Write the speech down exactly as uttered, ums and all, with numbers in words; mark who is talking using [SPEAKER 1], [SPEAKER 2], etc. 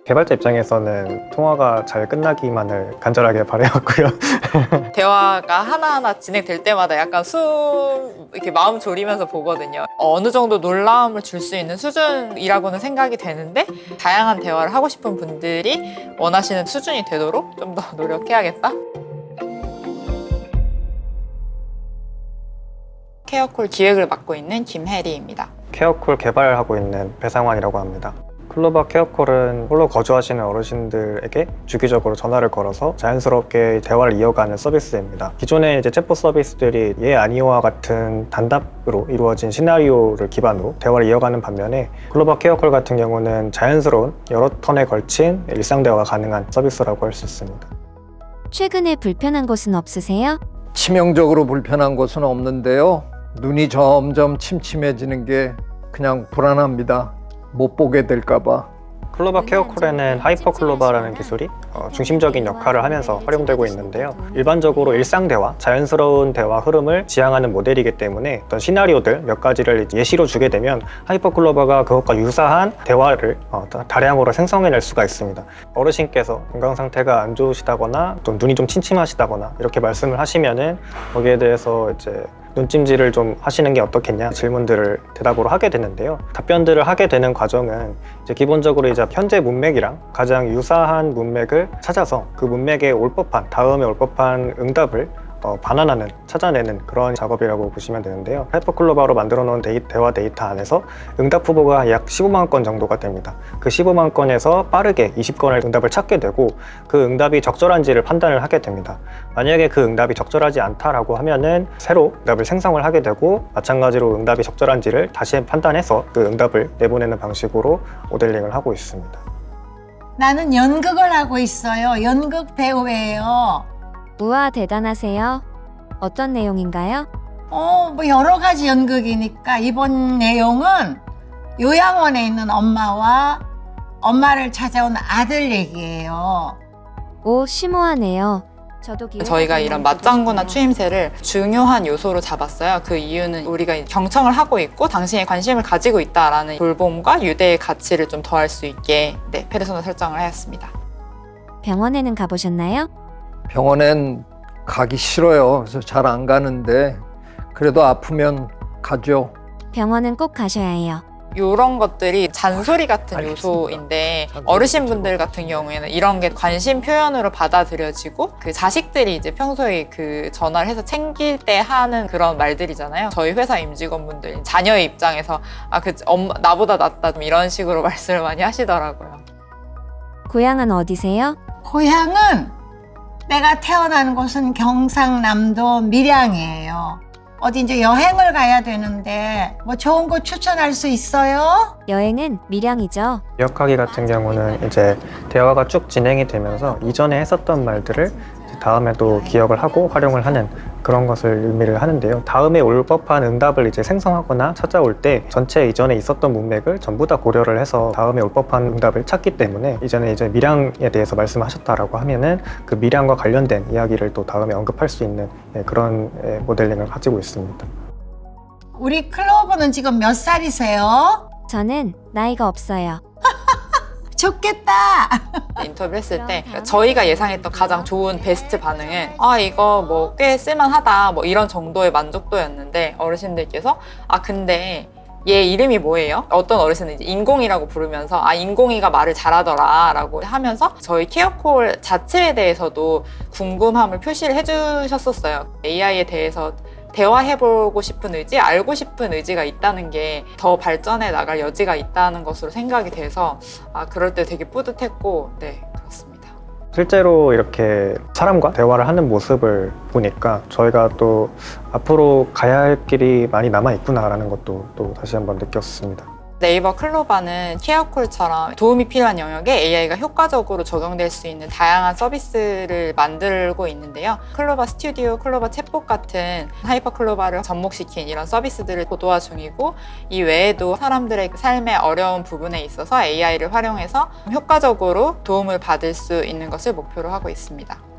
[SPEAKER 1] 개발자 입장에서는 통화가 잘 끝나기만을 간절하게 바라였고요.
[SPEAKER 2] 대화가 하나하나 진행될 때마다 약간 숨 이렇게 마음 졸이면서 보거든요. 어느 정도 놀라움을 줄 수 있는 수준이라고는 생각이 되는데 다양한 대화를 하고 싶은 분들이 원하시는 수준이 되도록 좀 더 노력해야겠다. 케어콜 기획을 맡고 있는 김혜리입니다.
[SPEAKER 1] 케어콜 개발하고 있는 배상환이라고 합니다. 클로바 케어콜은 홀로 거주하시는 어르신들에게 주기적으로 전화를 걸어서 자연스럽게 대화를 이어가는 서비스입니다. 기존의 이제 챗봇 서비스들이 예 아니오와 같은 단답으로 이루어진 시나리오를 기반으로 대화를 이어가는 반면에 클로바 케어콜 같은 경우는 자연스러운 여러 턴에 걸친 일상 대화가 가능한 서비스라고 할 수 있습니다.
[SPEAKER 3] 최근에 불편한 곳은 없으세요?
[SPEAKER 4] 치명적으로 불편한 곳은 없는데요. 눈이 점점 침침해지는 게 그냥 불안합니다. 못 보게 될까봐.
[SPEAKER 1] 클로바 케어콜에는 하이퍼 클로바라는 기술이 어, 중심적인 역할을 하면서 활용되고 있는데요. 일반적으로 일상 대화, 자연스러운 대화 흐름을 지향하는 모델이기 때문에 어떤 시나리오들 몇 가지를 예시로 주게 되면 하이퍼 클로바가 그것과 유사한 대화를 어, 다량으로 생성해낼 수가 있습니다. 어르신께서 건강 상태가 안 좋으시다거나 또 눈이 좀 침침하시다거나 이렇게 말씀을 하시면은 거기에 대해서 이제 눈찜질을 좀 하시는 게 어떻겠냐 질문들을 대답으로 하게 되는데요. 답변들을 하게 되는 과정은 이제 기본적으로 이제 현재 문맥이랑 가장 유사한 문맥을 찾아서 그 문맥에 올 법한 다음에 올 법한 응답을 어, 반환하는, 찾아내는 그런 작업이라고 보시면 되는데요. 하이퍼클로바로 만들어 놓은 데이, 대화 데이터 안에서 응답 후보가 약 십오만 건 정도가 됩니다. 그 십오만 건에서 빠르게 이십 건의 응답을 찾게 되고 그 응답이 적절한지를 판단을 하게 됩니다. 만약에 그 응답이 적절하지 않다라고 하면은 새로 응답을 생성을 하게 되고 마찬가지로 응답이 적절한지를 다시 판단해서 그 응답을 내보내는 방식으로 모델링을 하고 있습니다.
[SPEAKER 5] 나는 연극을 하고 있어요. 연극 배우예요.
[SPEAKER 3] 우와, 대단하세요. 어떤 내용인가요?
[SPEAKER 5] 어, 뭐 여러 가지 연극이니까 이번 내용은 요양원에 있는 엄마와 엄마를 찾아온 아들 얘기예요.
[SPEAKER 3] 오, 심오하네요. 저도 기획
[SPEAKER 2] 저희가 이런 맞장구나 추임새를 중요한 요소로 잡았어요. 그 이유는 우리가 경청을 하고 있고 당신이 관심을 가지고 있다라는 돌봄과 유대의 가치를 좀 더할 수 있게 네, 페르소나 설정을 하였습니다.
[SPEAKER 3] 병원에는 가보셨나요?
[SPEAKER 4] 병원엔 가기 싫어요. 그래서 잘 안 가는데 그래도 아프면 가죠.
[SPEAKER 3] 병원은 꼭 가셔야 해요.
[SPEAKER 2] 이런 것들이 잔소리 같은
[SPEAKER 4] 알겠습니다.
[SPEAKER 2] 요소인데
[SPEAKER 4] 잔소리
[SPEAKER 2] 어르신분들 같은 경우에는 이런 게 관심 표현으로 받아들여지고 그 자식들이 이제 평소에 그 전화를 해서 챙길 때 하는 그런 말들이잖아요. 저희 회사 임직원분들 자녀의 입장에서 아, 그 엄마 나보다 낫다 좀 이런 식으로 말씀을 많이 하시더라고요.
[SPEAKER 3] 고향은 어디세요?
[SPEAKER 5] 고향은 내가 태어난 곳은 경상남도 밀양이에요. 어디 이제 여행을 가야 되는데 뭐 좋은 곳 추천할 수 있어요?
[SPEAKER 3] 여행은 밀양이죠.
[SPEAKER 1] 기억하기 같은 경우는 이제 대화가 쭉 진행이 되면서 이전에 했었던 말들을 이제 다음에도 기억을 하고 활용을 하는 그런 것을 의미를 하는데요. 다음에 올 법한 응답을 이제 생성하거나 찾아올 때 전체 이전에 있었던 문맥을 전부 다 고려를 해서 다음에 올 법한 응답을 찾기 때문에 이전에 이제 밀양에 대해서 말씀하셨다라고 하면은 그 밀양과 관련된 이야기를 또 다음에 언급할 수 있는 그런 모델링을 가지고 있습니다.
[SPEAKER 5] 우리 클로버는 지금 몇 살이세요?
[SPEAKER 3] 저는 나이가 없어요.
[SPEAKER 5] 좋겠다.
[SPEAKER 2] 인터뷰 했을 때 저희가 예상했던 가장 좋은 베스트 반응은 아 이거 뭐 꽤 쓸만하다 뭐 이런 정도의 만족도였는데 어르신들께서 아 근데 얘 이름이 뭐예요? 어떤 어르신은 이제 인공이라고 부르면서 아 인공이가 말을 잘하더라 라고 하면서 저희 케어콜 자체에 대해서도 궁금함을 표시를 해주셨었어요. 에이아이에 대해서 대화해보고 싶은 의지, 알고 싶은 의지가 있다는 게 더 발전해 나갈 여지가 있다는 것으로 생각이 돼서 아 그럴 때 되게 뿌듯했고 네 그렇습니다.
[SPEAKER 1] 실제로 이렇게 사람과 대화를 하는 모습을 보니까 저희가 또 앞으로 가야 할 길이 많이 남아있구나라는 것도 또 다시 한번 느꼈습니다.
[SPEAKER 2] 네이버 클로바는 케어콜처럼 도움이 필요한 영역에 에이아이가 효과적으로 적용될 수 있는 다양한 서비스를 만들고 있는데요. 클로바 스튜디오, 클로바 챗봇 같은 하이퍼 클로바를 접목시킨 이런 서비스들을 고도화 중이고 이 외에도 사람들의 삶의 어려운 부분에 있어서 에이아이를 활용해서 효과적으로 도움을 받을 수 있는 것을 목표로 하고 있습니다.